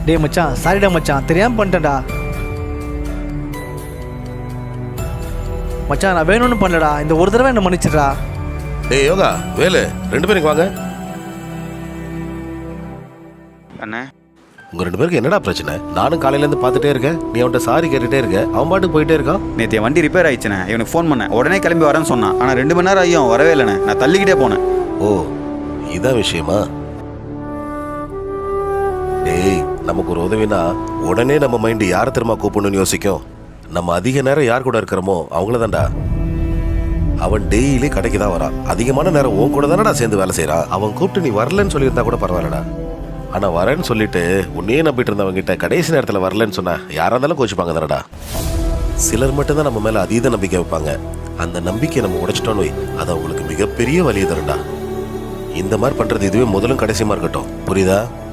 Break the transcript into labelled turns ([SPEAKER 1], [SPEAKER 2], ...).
[SPEAKER 1] டேய் மச்சான், சாரிடா மச்சான், தெரியாமல் பண்ணிட்டேன்டா மச்சான். நான் வேணும்னு பண்ணலடா, இந்த ஒரு தடவை என்ன மன்னிச்சிடுறா.
[SPEAKER 2] டேய் யோகா, வேலு, 2 பேரும் வாங்க.
[SPEAKER 3] அண்ணே,
[SPEAKER 2] உங்க 2 பேருக்கு என்னடா பிரச்சனை? நானும் காலையிலேருந்து பார்த்துட்டே இருக்கேன், நீ அவன்கிட்ட சாரி கேட்டுட்டே இருக்க, அவன் பாட்டுக்கு போயிட்டே இருக்கான்.
[SPEAKER 3] நேற்று வண்டி ரிப்பேர் ஆயிடுச்சுண்ணே. இவனுக்கு ஃபோன் பண்ணேன், உடனே கிளம்பி வரேன்னு சொன்னான். ஆனால் 2 மணி நேரம் ஆகியும் வரவே இல்லைண்ணே. நான் தள்ளிக்கிட்டே போனேன்.
[SPEAKER 2] ஓ, இதான் விஷயமா? டேய், நமக்கு ஒரு உதவினா உடனே நம்ம மைண்டு யாரை திரும்ப கூப்பிடணும்னு யோசிக்கும். நம்ம அதிக நேரம் யார் கூட இருக்கிறோமோ அவங்கள தான்டா. அவன் டெய்லி கடைக்கு தான் வரான், அதிகமான நேரம் உன் கூட தானடா சேர்ந்து வேலை செய்யறான். அவன் கூப்பிட்டு நீ வரலன்னு சொல்லியிருந்தா கூட பரவாயில்லடா. ஆனா வரேன்னு சொல்லிட்டு உன்னையே நம்பிட்டு இருந்தவங்க கிட்ட கடைசி நேரத்தில் வரலன்னு சொன்னா யாரா இருந்தாலும் கோச்சிப்பாங்க தானடா. சிலர் மட்டும்தான் நம்ம மேல அதீத நம்பிக்கை வைப்பாங்க. அந்த நம்பிக்கையை நம்ம உடைச்சிட்டோன்னு வை, அது அவங்களுக்கு மிகப்பெரிய வலியை தரும்டா. இந்த மாதிரி பண்றது இதுவே முதலும் கடைசியுமா இருக்கட்டும், புரியுதா?